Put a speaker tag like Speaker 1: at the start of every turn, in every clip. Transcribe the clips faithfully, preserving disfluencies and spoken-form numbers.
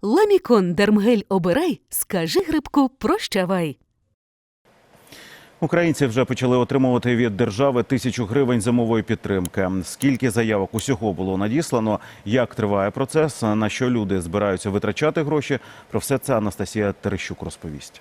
Speaker 1: Ламікон Дермгель обирай, скажи грибку прощавай.
Speaker 2: Українці вже почали отримувати від держави тисячу гривень зимової підтримки. Скільки заявок усього було надіслано, як триває процес, на що люди збираються витрачати гроші – про все це Анастасія Терещук розповість.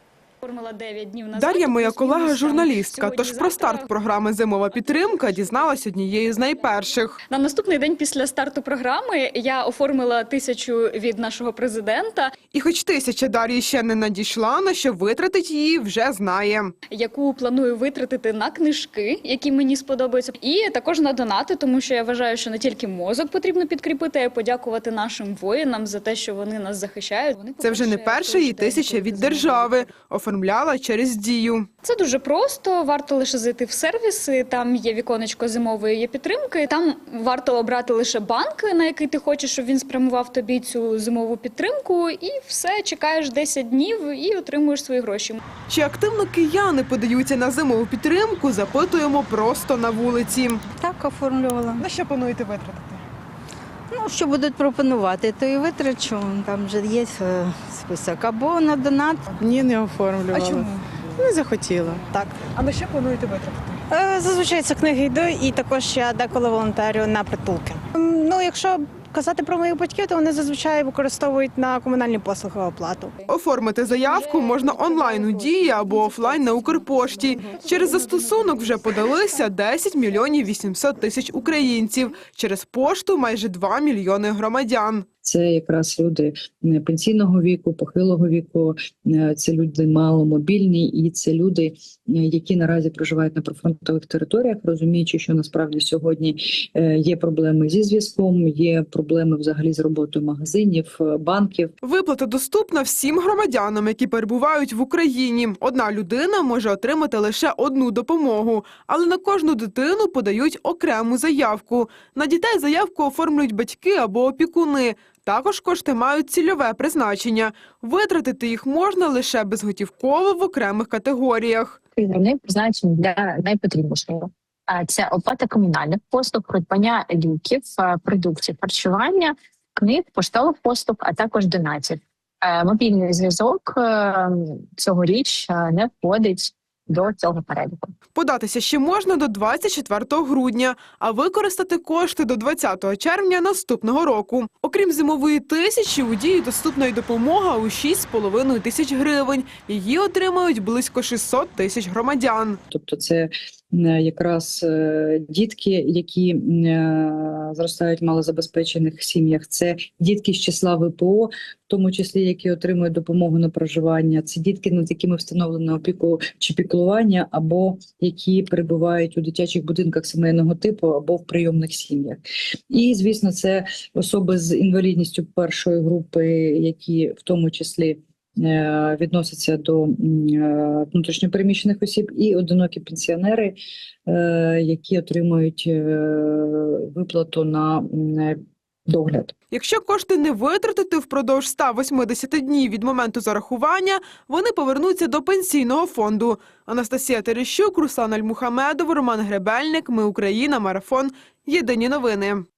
Speaker 3: Дар'я – моя колега-журналістка, тож про старт програми «Зимова підтримка» дізналась однією з найперших.
Speaker 4: На наступний день після старту програми я оформила тисячу від нашого президента.
Speaker 3: І хоч тисяча Дар'ї ще не надійшла, на що витратить її вже знає.
Speaker 4: Яку планую витратити на книжки, які мені сподобаються. І також на донати, тому що я вважаю, що не тільки мозок потрібно підкріпити, а й подякувати нашим воїнам за те, що вони нас захищають. Вони,
Speaker 3: Це вже не перша її тисяча від держави. Оформляла через Дію.
Speaker 4: Це дуже просто, варто лише зайти в сервіси, там є віконечко зимової підтримки, там варто обрати лише банк, на який ти хочеш, щоб він спрямував тобі цю зимову підтримку, і все, чекаєш десять днів і отримуєш свої гроші.
Speaker 3: Чи активно кияни подаються на зимову підтримку, запитуємо просто на вулиці.
Speaker 5: Так, оформлювала.
Speaker 3: На що плануєте витратити?
Speaker 5: Ну, що будуть пропонувати, то і витрачу. Там вже є е, список. Або на донат.
Speaker 6: Ні, не оформлювала.
Speaker 3: А чому?
Speaker 6: Не захотіла. Так.
Speaker 3: А на що плануєте витратити?
Speaker 6: Е, Зазвичай це книги йду і також я деколи волонтерю на притулки. М, Ну, якщо казати про моїх батьків, то вони зазвичай використовують на комунальні послуги оплату.
Speaker 3: Оформити заявку можна онлайн у Дії або офлайн на Укрпошті. Через застосунок вже подалися десять мільйонів вісімсот тисяч українців. Через пошту майже два мільйони громадян.
Speaker 7: Це якраз люди пенсійного віку, похилого віку, це люди маломобільні і це люди, які наразі проживають на прифронтових територіях, розуміючи, що насправді сьогодні є проблеми зі зв'язком, є проблеми взагалі з роботою магазинів, банків.
Speaker 3: Виплата доступна всім громадянам, які перебувають в Україні. Одна людина може отримати лише одну допомогу, але на кожну дитину подають окрему заявку. На дітей заявку оформлюють батьки або опікуни. Також кошти мають цільове призначення. Витратити їх можна лише безготівково в окремих категоріях.
Speaker 8: Вони призначені для найпотрібнішого. Це оплата комунальних послуг, придбання ліків, продуктів харчування, книг, поштових послуг, а також донатів. Мобільний зв'язок цьогоріч не входить до цього переліку.
Speaker 3: Податися ще можна до двадцять четвертого грудня, а використати кошти до двадцятого червня наступного року. Окрім зимової тисячі, у Дії доступна й допомога у шість з половиною тисяч гривень. Її отримають близько шістсот тисяч громадян.
Speaker 7: Тобто це якраз дітки, які зростають в малозабезпечених сім'ях, це дітки з числа ВПО, в тому числі, які отримують допомогу на проживання, це дітки, над якими встановлено опіку чи піклування, або які перебувають у дитячих будинках сімейного типу, або в прийомних сім'ях. І, звісно, це особи з інвалідністю першої групи, які в тому числі відносяться до внутрішньопереміщених осіб, і одинокі пенсіонери, які отримують виплату на догляд.
Speaker 3: Якщо кошти не витратити впродовж ста восьмидесяти днів від моменту зарахування, вони повернуться до пенсійного фонду. Анастасія Терещук, Руслан Альмухамедов, Роман Гребельник. Ми Україна. Марафон. Єдині новини.